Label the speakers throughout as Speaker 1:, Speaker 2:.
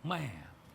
Speaker 1: แม่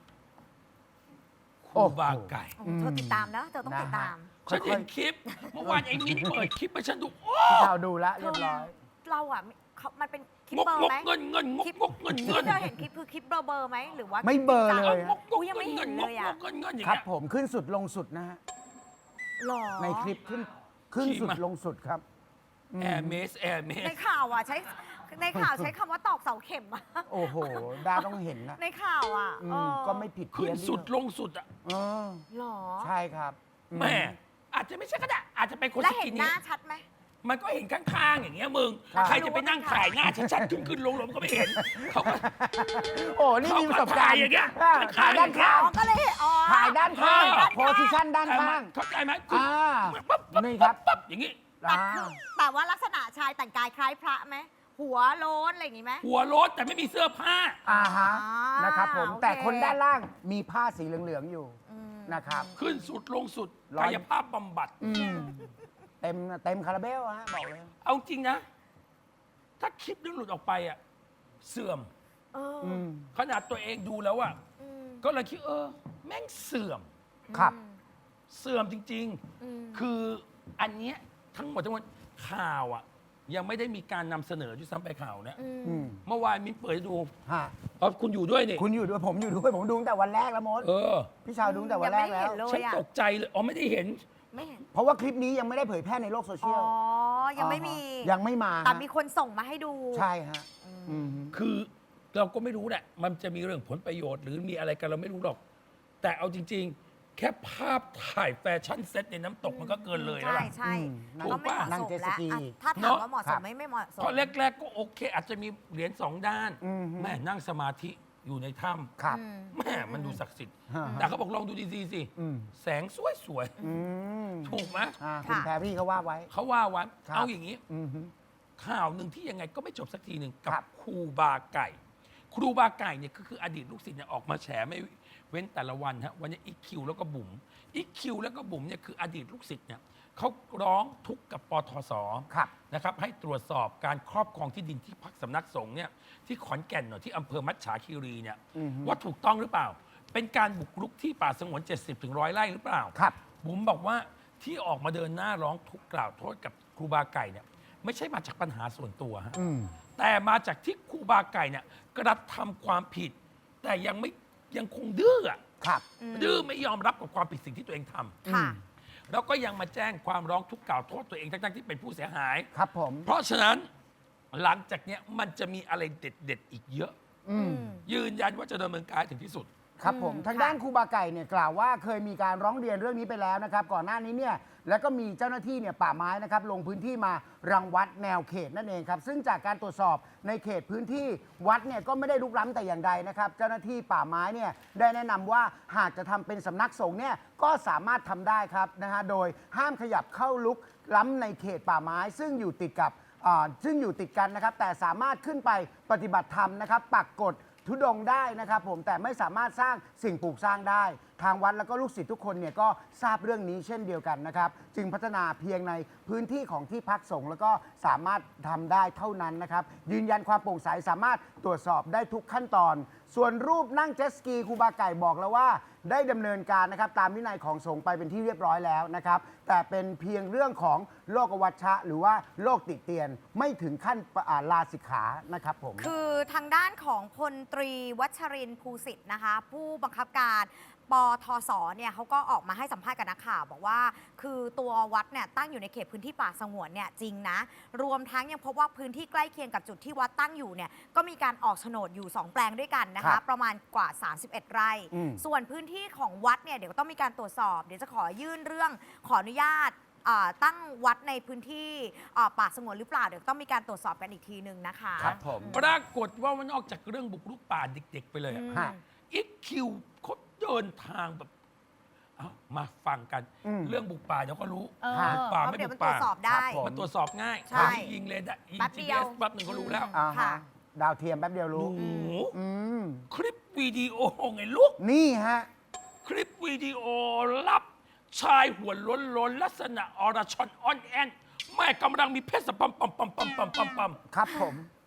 Speaker 1: ค
Speaker 2: โอ้
Speaker 1: รู
Speaker 2: โห
Speaker 1: บาไก่
Speaker 3: โอ้โหเธอติดตามนะเธอต้องติดตาม
Speaker 1: ฉันเห็นคลิปเมื่อวานไอ้มิ้นเปิดคลิปให้ฉันดูโอ้
Speaker 2: พี่ชาวดูแล้วเรียบร้อย
Speaker 3: เราอ่ะมันเป็นคลิป
Speaker 1: งก
Speaker 3: เบอร์
Speaker 1: งก
Speaker 3: ไหม
Speaker 1: เงินเงินง
Speaker 3: คลิป
Speaker 1: กงกเงิน
Speaker 3: ที่
Speaker 1: เงิน
Speaker 3: เธอเห็นคลิปคือคลิปเบอร์ไหมหรือว่า
Speaker 2: ไม่เบลอเลย
Speaker 1: เอา
Speaker 2: อะ
Speaker 1: งกงก
Speaker 3: ยังไม่
Speaker 1: เงิน
Speaker 3: เห็น
Speaker 1: เงิน
Speaker 3: เลย
Speaker 1: ง
Speaker 3: อะ
Speaker 1: กเงินเงินอย่าง
Speaker 2: ครับ
Speaker 1: เงี้ย
Speaker 2: ผมขึ้นสุดลงสุดนะฮะ
Speaker 3: หรอ
Speaker 2: ในคลิปขึ้นสุดลงสุดครับ
Speaker 1: แอร์เมสแอร์เมส
Speaker 3: ในข่าวอ่ะใช้คำว่าตอกเสาเข็มอะ
Speaker 2: โอ้โหดาต้องเห็นนะ
Speaker 3: ในข่าวอ่ะ
Speaker 2: อืม
Speaker 3: เออ
Speaker 2: ก็ไม่ผิด
Speaker 1: ขึ้
Speaker 2: เพี้
Speaker 1: น
Speaker 2: ยน
Speaker 1: สุดลงสุดอ่ะ
Speaker 2: เออ
Speaker 3: หรอ
Speaker 2: ใช่ครับอื
Speaker 1: แม่อาจจะไม่ใช่ก็ได้อาจจะเป็นคน
Speaker 3: แล้ว
Speaker 1: ส
Speaker 3: เห็
Speaker 1: กิ
Speaker 3: น
Speaker 1: น
Speaker 3: ห
Speaker 1: นี้
Speaker 3: น้าชัดไหม
Speaker 1: มันก็เห็นข้างๆอย่างเงี้ยมึง
Speaker 2: ครับ
Speaker 1: ใครจะไปนั่งถ่ายหน้าชัดๆขึ้นลงก็ไม่เห็นเขาก็
Speaker 2: โอ้นี่มีประสบการณ์
Speaker 1: เขาก็ถ่ายอย่างเงี้ย
Speaker 2: อ่าถ่ายด้านข้าง
Speaker 3: อ๋อก็เลยอ๋อ
Speaker 2: ถ่ายด้านข้าง
Speaker 1: เออ
Speaker 2: โพสิชันด้านข้าง
Speaker 1: เข้าใจไหมคือ
Speaker 2: อ่า
Speaker 1: ปั๊บปั๊บ
Speaker 2: นี่ครับ
Speaker 1: ปั๊บอย่างงี้
Speaker 3: แต่
Speaker 2: อ่า
Speaker 3: คือแต่ว่าลักษณะชายแต่งกายคล้ายพระไหมหัวโล้นอะไรอย่างงี้ไหม
Speaker 1: หัวรถแต่ไม่มีเสื้อผ้า
Speaker 2: อ่าฮะ
Speaker 3: อ่าน
Speaker 2: นะครับผม
Speaker 3: โอเค
Speaker 2: แต่คนด้านล่างมีผ้าสีเหลืองๆอยู่
Speaker 3: อืม
Speaker 2: นะครับ
Speaker 1: ขึ้นสุดลงสุด
Speaker 2: ร้อย
Speaker 1: กายภาพบำบัด
Speaker 2: อืมเต็มคาราเบลฮะบอกเลย
Speaker 1: เอาจริงนะ ถ้าคลิปนี้หลุดออกไปอ่ะเสื่อม
Speaker 3: เออ
Speaker 2: อืม
Speaker 1: ขนาดตัวเองดูแล้วอ่ะ
Speaker 3: อืม
Speaker 1: ก็เลยคิดแม่งเสื่อม
Speaker 2: ครับ
Speaker 1: เสื่อมจริง
Speaker 3: อืม
Speaker 1: ๆ คืออันเนี้ยทั้งหมดข่าวอ่ะ ยังไม่ได้มีการนำเสนอด้วยซ้ำไปข่าวเนี่ย
Speaker 3: อืม
Speaker 2: อืม
Speaker 1: เมื่อวานมิ้นเปิดให้ดู
Speaker 2: ฮะ
Speaker 1: คุณอยู่ด้วยนี่
Speaker 2: คุณอยู่ด้วยผมอยู่ด้วยผมดูตั้งแต่วันแรกแล้วมด
Speaker 1: เออ
Speaker 2: พี่ชาวดูตั้งแต่วันแรกแล้ว
Speaker 3: ยังไม่เห็นเลย
Speaker 1: ฉันตกใจเลยไม่ได้เห็น
Speaker 3: ไม่เห็น
Speaker 2: เพราะว่าคลิปนี้ยังไม่ได้เผยแพร่ในโลกโซเชี
Speaker 3: อ๋
Speaker 2: ย
Speaker 3: อ
Speaker 2: ล
Speaker 3: ยังไม่มี
Speaker 2: ยังไม่มา
Speaker 3: แต่มีคนส่งมาให้ดู
Speaker 2: ใช่ฮะ
Speaker 3: อืม
Speaker 2: อืม
Speaker 1: คือเราก็ไม่รู้แหละ มันจะมีเรื่องผลประโยชน์หรือมีอะไรกันเราไม่รู้หรอก แต่เอาจริง ๆ แค่ภาพถ่ายแฟชั่นเซ็ตในน้ำตกมันก็เกินเลยแล้ว
Speaker 3: ใช่
Speaker 1: ล่ะ
Speaker 3: ใช่
Speaker 2: อืม
Speaker 3: มันก็ไม่เหมาะ
Speaker 2: นั่ง
Speaker 3: สม
Speaker 2: เจ็ตส
Speaker 3: แล้ว
Speaker 2: กี
Speaker 3: อ่ะถ้าถามว่าเหมาะสมไหมไม่เหมาะสม
Speaker 1: เพราะแรก ๆ ก็โอเค อาจจะมีเหรียญสองด้าน
Speaker 2: อืม
Speaker 1: แม่นั่งสมาธิอยู่ในถ้
Speaker 2: ครับ
Speaker 3: อืม
Speaker 1: ำแม่มันดูศักดิ์สิทธิ์
Speaker 2: ฮะ
Speaker 1: แต่เขาบอกลองดูดีๆสิ
Speaker 2: อืม
Speaker 1: แสงสวย
Speaker 2: อืม
Speaker 1: ๆ ถูกไหม
Speaker 2: คุณ
Speaker 3: ค่ะ
Speaker 2: แพรรี่เขาว่าไว้
Speaker 1: เขาว่าวัน
Speaker 2: ครับ
Speaker 1: เอาอย่างนี้
Speaker 2: อืมฮึ
Speaker 1: ข่าวหนึ่งที่ยังไงก็ไม่จบสักทีหนึ่งกั
Speaker 2: ครับ บ
Speaker 1: ครูบาไก่ ครูบาไก่เนี่ยก็คืออดีตลูกศิษย์เนี่ยออกมาแฉไม่เว้นแต่ละวันฮะวันนี้อีคิวแล้วก็บุ๋มอีคิวแล้วก็บุ๋มเนี่ยคืออดีตลูกศิษย์เนี่ยเขาร้องทุกข์กับปทศ
Speaker 2: ครับ
Speaker 1: นะครับให้ตรวจสอบการครอบครองที่ดินที่พักสำนักสงฆ์เนี่ยที่ขอนแก่นหน่อยที่อำเภอมัจฉาคีรีเนี่ย
Speaker 2: อือฮึ
Speaker 1: ว่าถูกต้องหรือเปล่า เป็นการบุกรุกที่ป่าสงวน 70-100 ไร่หรือเปล่า
Speaker 2: ครับ
Speaker 1: บุ๋มบอกว่าที่ออกมาเดินหน้าร้องทุกข์กล่าวโทษกับครูบาไก่เนี่ยไม่ใช่มาจากปัญหาส่วนตัวฮะ
Speaker 2: อืม
Speaker 1: แต่มาจากที่ครูบาไก่เนี่ยกระทำความผิด แต่ยังคงดื้ออะ
Speaker 2: ครับ
Speaker 1: ดื้อไม่ยอมรับกับความผิดสิ่งที่ตัวเองทำ
Speaker 3: ค่ะ
Speaker 1: แล้วก็ยังมาแจ้งความร้องทุกข์กล่าวโทษตัวเองทั้งๆที่เป็นผู้เสียหาย
Speaker 2: ครับผม
Speaker 1: เพราะฉะนั้นหลังจากเนี้ยมันจะมีอะไรเด็ดๆอีกเยอะ
Speaker 2: อืม
Speaker 1: ยืนยันว่าจะดำเนินการถึงที่สุด
Speaker 2: ครับผม
Speaker 3: อืม
Speaker 2: ทาง
Speaker 3: ค่ะ
Speaker 2: ด้านครูบาไก่เนี่ยกล่าวว่าเคยมีการร้องเรียนเรื่องนี้ไปแล้วนะครับ ก่อนหน้านี้เนี่ยแล้วก็มีเจ้าหน้าที่เนี่ยป่าไม้นะครับลงพื้นที่มารังวัดแนวเขตนั่นเองครับ ซึ่งจากการตรวจสอบในเขตพื้นที่วัดเนี่ยก็ไม่ได้ลุกล้ำแต่อย่างใดนะครับ เจ้าหน้าที่ป่าไม้เนี่ยได้แนะนำว่าหากจะทำเป็นสำนักสงฆ์เนี่ยก็สามารถทำได้ครับนะฮะโดยห้ามขยับเข้าลุกล้ำในเขตป่าไม้ ซึ่งอยู่ติดกันนะครับ แต่สามารถขึ้นไปปฏิบัติธรรมนะครับปักกฎ ทุดงค์ได้นะครับผมแต่ไม่สามารถสร้างสิ่งปลูกสร้างได้ ทางวัดแล้วก็ลูกศิษย์ทุกคนเนี่ยก็ทราบเรื่องนี้เช่นเดียวกันนะครับจึงพัฒนาเพียงในพื้นที่ของที่พักสงฆ์แล้วก็สามารถทำได้เท่านั้นนะครับยืนยันความโปร่งใสสามารถตรวจสอบได้ทุกขั้นตอน ส่วนรูปนั่งเจ็ตสกีครูบาไก่บอกแล้วว่าได้ดำเนินการนะครับตามวินัยของสงฆ์ไปเป็นที่เรียบร้อยแล้วนะครับแต่เป็นเพียงเรื่องของโลกวัชชะหรือว่าโลกติเตียนไม่ถึงขั้นลาสิกขานะครับผม
Speaker 3: คือทางด้านของพลตรีวัชรินทร์ภูสิทธิ์นะคะ ผู้บังคับการปทศเนี่ยเขาก็ออกมาให้สัมภาษณ์กับนักข่าวบอกว่าคือตัววัดเนี่ยตั้งอยู่ในเขตพื้นที่ป่าสงวนเนี่ยจริงนะรวมทั้งยังพบว่าพื้นที่ใกล้เคียงกับจุดที่วัดตั้งอยู่เนี่ยก็มีการออกโฉนดอยู่ 2 แปลงด้วยกันนะ
Speaker 2: ครั
Speaker 3: คะ
Speaker 2: บ
Speaker 3: ประมาณกว่า 31 ไร่
Speaker 2: อืม
Speaker 3: ส่วนพื้นที่ของวัดเนี่ยเดี๋ยวต้องมีการตรวจสอบเดี๋ยวจะขอยื่นเรื่องขออนุญาตตั้งวัดในพื้นที่ป่าสงวนหรือเปล่าเดี๋ยวต้องมีการตรวจสอบกันอีกทีหนึ่งนะคะ
Speaker 2: ครับผม
Speaker 1: ปรากฏว่านอกจากเรื่องบุกรุกป่าเด็ก ๆ ไปเลยอะ
Speaker 3: อืม
Speaker 2: ฮะ
Speaker 1: อีคิวเขาเดินทางแบบเอามาฟังกัน
Speaker 2: อืม
Speaker 1: เรื่องบุกป่าเดี๋ยวก็รู้
Speaker 3: เออ
Speaker 1: บุกป่า
Speaker 3: เพ
Speaker 1: ไม่
Speaker 3: ราะเดี๋ยว
Speaker 1: บุ
Speaker 3: มัน
Speaker 1: ก
Speaker 3: ตรว
Speaker 1: ป่า
Speaker 3: จสอบได้
Speaker 2: ครับผม
Speaker 1: มันตรวจสอบง่าย
Speaker 3: ใช่
Speaker 1: ยิงเลยได้ยิง
Speaker 3: แป๊บเดียว
Speaker 1: GPS แป๊บหนึ่งก็รู้แล้ว
Speaker 2: อ่า
Speaker 3: ค่ะ
Speaker 2: ฮะดาวเทียมแป๊บเดียว
Speaker 1: ห
Speaker 2: รู้
Speaker 1: นู
Speaker 2: อืม
Speaker 1: คลิปวิดีโอไงลูก
Speaker 2: นี่ฮะ
Speaker 1: คลิปวิดีโอลับชายหัวล้นๆลักษณะอรชอนอ่อนแอนแม่กำลังมีเพศสัมพันธ์ปั๊ม
Speaker 2: ครับผม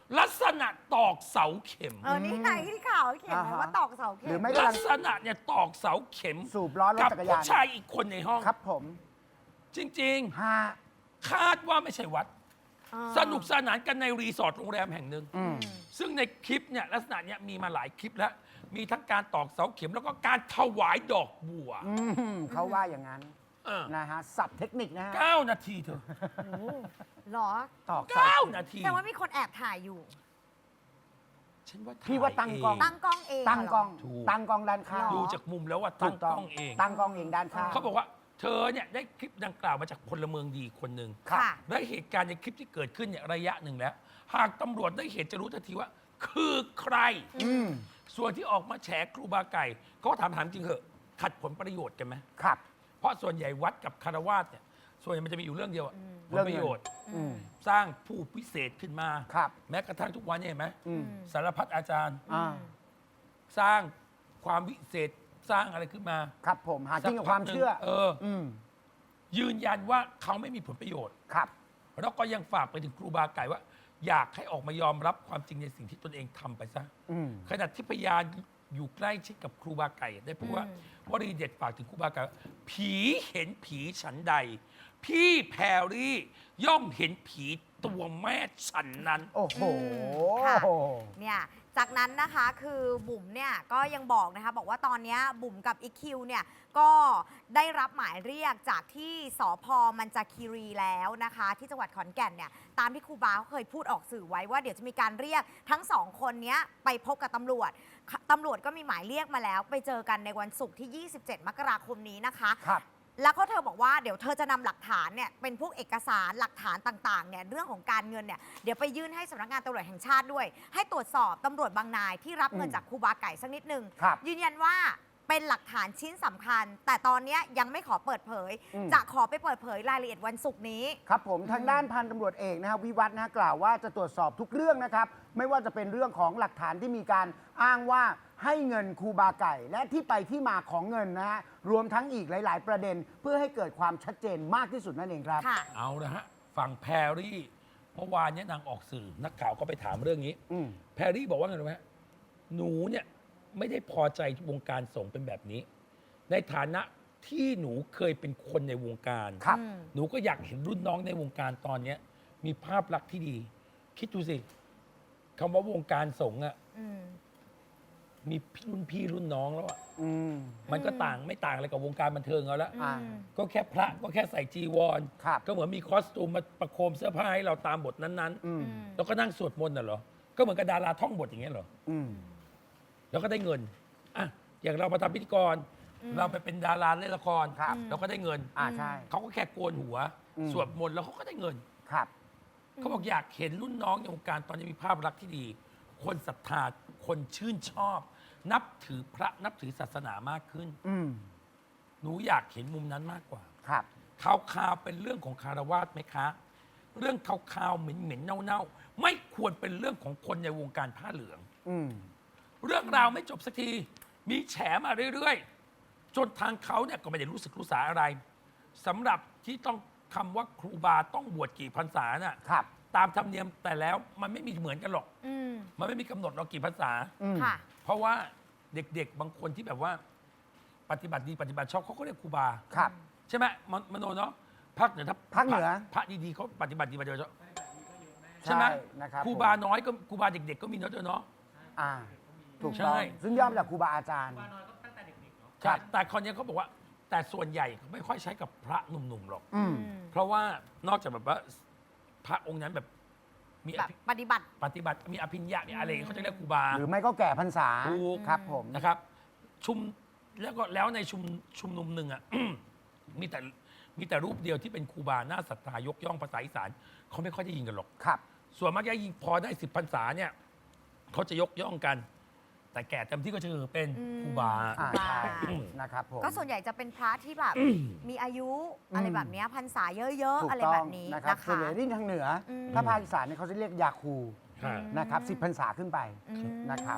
Speaker 1: ลักษณะตอกเสาเข็ม
Speaker 3: นี่ไงที่ข่าวเขียนไว้
Speaker 2: อ่าฮะ
Speaker 3: ว่าตอกเสาเข็
Speaker 2: หรือ
Speaker 3: ม
Speaker 2: ไม่
Speaker 1: ลักษณะเนี่ยตอกเสาเข็ม
Speaker 2: สูบล้อรถ
Speaker 1: กับ
Speaker 2: จักร
Speaker 1: ผู้
Speaker 2: ยาน
Speaker 1: ชายอีกคนในห้อง
Speaker 2: ครับผม
Speaker 1: จริง
Speaker 2: ฮะ
Speaker 1: ๆ คาดว่าไม่ใช่วัด
Speaker 3: อ่า
Speaker 1: สนุกสนานกันในรีสอร์ทโรงแรมแห่งหนึ่ง
Speaker 2: อืม
Speaker 1: ซึ่งในคลิปเนี่ยลักษณะเนี่ยมีมาหลายคลิปแล้ว มีทั้งการตอกเสาเข็มแล้วก็การถวายดอกบัว
Speaker 2: เขาว่าอย่างนั้น
Speaker 1: เออ
Speaker 2: นะฮะสับเทคนิคนะฮะ
Speaker 1: 9 นาทีเธอ
Speaker 3: โอ้เหรอ
Speaker 2: ตอกเสา
Speaker 1: 9 นาที
Speaker 3: แต่ว่ามีคนแอบถ่ายอยู่
Speaker 1: ฉันว่า
Speaker 2: พี่ว่าตั้งกล้อง
Speaker 3: ตั้งกล้องเอง
Speaker 2: ตั้งกล้อง
Speaker 1: ถูก
Speaker 2: ตั้งกล้องด้านข้าง
Speaker 1: ดูจากมุมแล้วว่า
Speaker 2: ถู
Speaker 1: ตั้ง
Speaker 2: ก
Speaker 1: ก
Speaker 2: ต้
Speaker 1: ล้
Speaker 2: อง
Speaker 1: องเอง
Speaker 2: ตั้งกล้องเองด้านข้าง
Speaker 1: เขาบอกว่าเธอเนี่ยได้คลิปดังกล่าวมาจากพลเมืองดีคนหนึ่ง
Speaker 2: ครับ
Speaker 3: ค่ะ
Speaker 1: และเหตุการณ์ในคลิปที่เกิดขึ้นเนี่ยระยะหนึ่งแล้ว หากตำรวจได้เห็นจะรู้ทันทีว่า คือใคร
Speaker 2: อืม
Speaker 1: ส่วนที่ออกมาแฉครูบาไก่เขาก็ถามจริงเหอะขัดผลประโยชน์กันไหม
Speaker 2: ครับ
Speaker 1: เพราะส่วนใหญ่วัดกับคารวาสเนี่ยส่วนใหญ่มันจะมีอยู่เรื่องเดียวอะผ
Speaker 2: เรื่
Speaker 1: ล
Speaker 2: อง
Speaker 1: ป
Speaker 2: เงิน
Speaker 1: ระโยชน์
Speaker 2: อืม
Speaker 1: สร้างผู้พิเศษขึ้นมา
Speaker 2: ครับ
Speaker 1: แม้กระทั่งทุกวันเนี่ยเห็นไหม
Speaker 2: อืม
Speaker 1: สารพัดอาจารย์
Speaker 2: อ่า
Speaker 1: สร้างความวิเศษสร้างอะไรขึ้นมา
Speaker 2: ครับผมหากินกับความเชื่อ
Speaker 1: เออ
Speaker 2: อืม
Speaker 1: ยืนยันว่าเขาไม่มีผลประโยชน์
Speaker 2: ครับ
Speaker 1: แล้วก็ยังฝากไปถึงครูบาไก่ว่า อยากให้ออกมายอมรับความจริงในสิ่งที่ตนเองทำไปซะ
Speaker 2: อืม
Speaker 1: ขณะที่พยานอยู่ใกล้ชิดกับครูบาไก่ได้พูดว่า วลีเด็ดฝากถึงครูบาไก่ว่าผีเห็นผีฉันใด พี่แพรรี่ย่อมเห็นผีตัวแม่ฉันนั้น
Speaker 2: โอ้โห
Speaker 3: ค่ะ เนี่ยจากนั้นนะคะคือบุ๋มเนี่ยก็ยังบอกนะคะบอกว่าตอนเนี้ยบุ๋มกับอีคิวเนี่ยก็ได้รับหมายเรียกจากที่สพมันจาคีรีแล้วนะคะ ที่จังหวัดขอนแก่นเนี่ยตามที่ครูบาเขาเคยพูดออกสื่อไว้ว่าเดี๋ยวจะมีการเรียกทั้งสองคนเนี้ยไปพบกับตำรวจตำรวจก็มีหมายเรียกมาแล้ว ไปเจอกันในวันศุกร์ที่ 27 มกราคมนี้นะคะ
Speaker 2: ครับ
Speaker 3: แล้วก็เธอบอกว่าเดี๋ยวเธอจะนำหลักฐานเนี่ยเป็นพวกเอกสารหลักฐานต่างๆเนี่ยเรื่องของการเงินเนี่ยเดี๋ยวไปยื่นให้สำนักงานตำรวจแห่งชาติด้วย ให้ตรวจสอบตำรวจบางนายที่รับเงินจากครูบาไก่สักนิดนึง
Speaker 2: ครับ
Speaker 3: ยืนยันว่าเป็นหลักฐานชิ้นสำคัญ แต่ตอนเนี้ยยังไม่ขอเปิดเผย จะขอไปเปิดเผยรายละเอียดวันศุกร์นี้
Speaker 2: ครับผมทางด้านพันตำรวจเอกนะครับวิวัฒน์นะกล่าวว่าจะตรวจสอบทุกเรื่องนะครับ ไม่ว่าจะเป็นเรื่องของหลักฐานที่มีการอ้างว่าให้เงินครูบาไก่ และที่ไปที่มาของเงินนะฮะรวมทั้งอีกหลาย ๆ ประเด็น เพื่อให้เกิดความชัดเจนมากที่สุดนั่นเองครับ
Speaker 3: ค่ะ
Speaker 1: เอาละฮะฝั่งแพรรี่เมื่อวานเนี้นางออกสื่อนักข่าวก็ไปถามเรื่องนี้
Speaker 2: อืม
Speaker 1: แพรรี่บอกว่าไงรู้ไหมหนูเนี่ยไม่ได้พอใจวงการสงฆ์เป็นแบบนี้ ในฐานะที่หนูเคยเป็นคนในวงการ
Speaker 2: ครับ
Speaker 1: หนูก็อยากเห็นรุ่นน้องในวงการตอนเนี้ยมีภาพลักษณ์ที่ดี คิดดูสิคำว่าวงการสงฆ์อะ
Speaker 3: อืม
Speaker 1: มีรุ่นพี่รุ่นน้องแล้วอะ
Speaker 2: อืม
Speaker 1: มันก็ต่างไม่ต่างอะไรกับวงการบันเทิงเอาละ
Speaker 2: อ่า
Speaker 1: ก็แค่พระก็แค่ใส่จีวร
Speaker 2: ครับ
Speaker 1: ก็เหมือนมีคอสตูมมาประโคมเสื้อผ้าให้เราตามบทนั้น
Speaker 2: อืม
Speaker 1: ๆ แล้วก็นั่งสวดมนต์น่ะเหรอ ก็เหมือนกับดาราท่องบทอย่างเงี้ยเหรอ
Speaker 2: อืม
Speaker 1: แล้วก็ได้เงินอ่ะอย่างเรามาทำพิธีกร เราไปเป็นดาราเล่นละคร
Speaker 2: ครับ
Speaker 1: เราก็ได้เงิน
Speaker 2: ใช่
Speaker 1: เขาก็แค่โกนหัว
Speaker 2: อืม
Speaker 1: สวดมนต์แล้วเขาก็ได้เงิน
Speaker 2: ครับ
Speaker 1: เขาบอกอยากเห็นรุ่นน้องในวงการตอนนี้มีภาพลักษณ์ที่ดี คนศรัทธา คนชื่นชอบ นับถือพระนับถือศาสนามากขึ้น
Speaker 2: อืม
Speaker 1: หนูอยากเห็นมุมนั้นมากกว่า
Speaker 2: ครับ
Speaker 1: ข่าวๆเป็นเรื่องของคารวาสไหมคะ เรื่องข่าวๆเหม็นๆเน่าๆ ไม่ควรเป็นเรื่องของคนในวงการผ้าเหลือง
Speaker 2: อืม
Speaker 1: เรื่องราวไม่จบสักที มีแฉมาเรื่อยๆ จนทางเขาเนี่ยก็ไม่ได้รู้สึกรู้สาอะไรสำหรับที่ต้องคำว่าครูบาต้องบวชกี่พรรษาน่ะ
Speaker 2: ครับ
Speaker 1: ตามธรรมเนียมแต่แล้วมันไม่มีเหมือนกันหรอก
Speaker 3: อืม
Speaker 1: มันไม่มีกำหนดเรากี่พรรษา
Speaker 2: อืม
Speaker 3: ค่ะ
Speaker 1: เพราะว่าเด็กๆ บางคนที่แบบว่า ปฏิบัติดีปฏิบัติชอบเขาก็เรียกครูบา
Speaker 2: ครับ
Speaker 1: ใช่ไหมมโนเนาะภาคเหนือถ้า
Speaker 2: ภาคเหนือ
Speaker 1: พระดีๆเขาปฏิบัติดีปฏิบัติชอบใช่ไหม
Speaker 2: นะครับ
Speaker 1: ครูบาน้อยก็ครูบาเด็ก ๆ ก็มีเนาะเธอเนาะ
Speaker 2: อ่า ถูก
Speaker 1: ใช่
Speaker 2: ต้องซึ่งย่อมาจากครูบาอาจารย์
Speaker 1: ใช่แต่คนนี้เขาบอกว่า แต่ส่วนใหญ่เขาไม่ค่อยใช้กับพระหนุ่มๆหรอก
Speaker 2: อืม
Speaker 1: เพราะว่านอกจากแบบว่าพระองค์นั้นแบบมี
Speaker 3: แบบปฏิบัติ
Speaker 1: ปฏิบัติมีอภิญญามีอะไรอย่างเงี้ยเขาจะเรียกครูบา
Speaker 2: หรือไม่ก็แก่พรรษา
Speaker 1: ถูก
Speaker 2: ครับผม
Speaker 1: นะครับ แล้วในชุมนุมหนึ่งอ่ะ มีแต่รูปเดียวที่เป็นครูบาหน้าศรัทธายกย่องภาษาอีสานเขาไม่ค่อยได้ยินกันหรอก
Speaker 2: ครับ
Speaker 1: ส่วนมากจะยิงพอได้10 พรรษาเนี่ยเขาจะยกย่องกัน แต่แก่เต็มที่ก็จะคือเป็นครูบา
Speaker 2: อ่า
Speaker 3: ครูบา
Speaker 2: ใช่นะครับผม
Speaker 3: ก็ส่วนใหญ่จะเป็นพระที่แบบมีอายุอะไรแบบเนี้ยพรรษาเยอะ
Speaker 2: ถู
Speaker 3: ๆ
Speaker 2: ก
Speaker 3: อะไร
Speaker 2: ต้
Speaker 3: แบ
Speaker 2: อง
Speaker 3: บนี้
Speaker 2: นะครับ
Speaker 3: นะ
Speaker 2: ส่วน
Speaker 3: คะ
Speaker 2: ใหญ่ที่ทางเหนืออ
Speaker 3: ม
Speaker 2: ถ้าภาคอีสานเนี่ยเขาจะเรียกยาคู
Speaker 1: ค่ะ
Speaker 2: นะครับ10 พรรษาขึ้นไป
Speaker 3: อืม
Speaker 2: นะครับ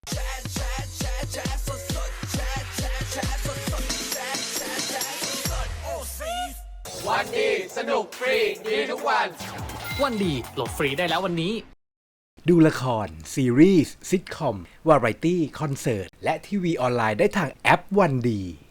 Speaker 4: วันดี สนุกฟรี ดีทุกวัน
Speaker 5: วันดีโหลดฟรีได้แล้ววันนี้
Speaker 4: ดูละคร ซีรีส์ซิทคอม วาไรตี้ คอนเสิร์ต และทีวีออนไลน์ได้ทางแอปวันดี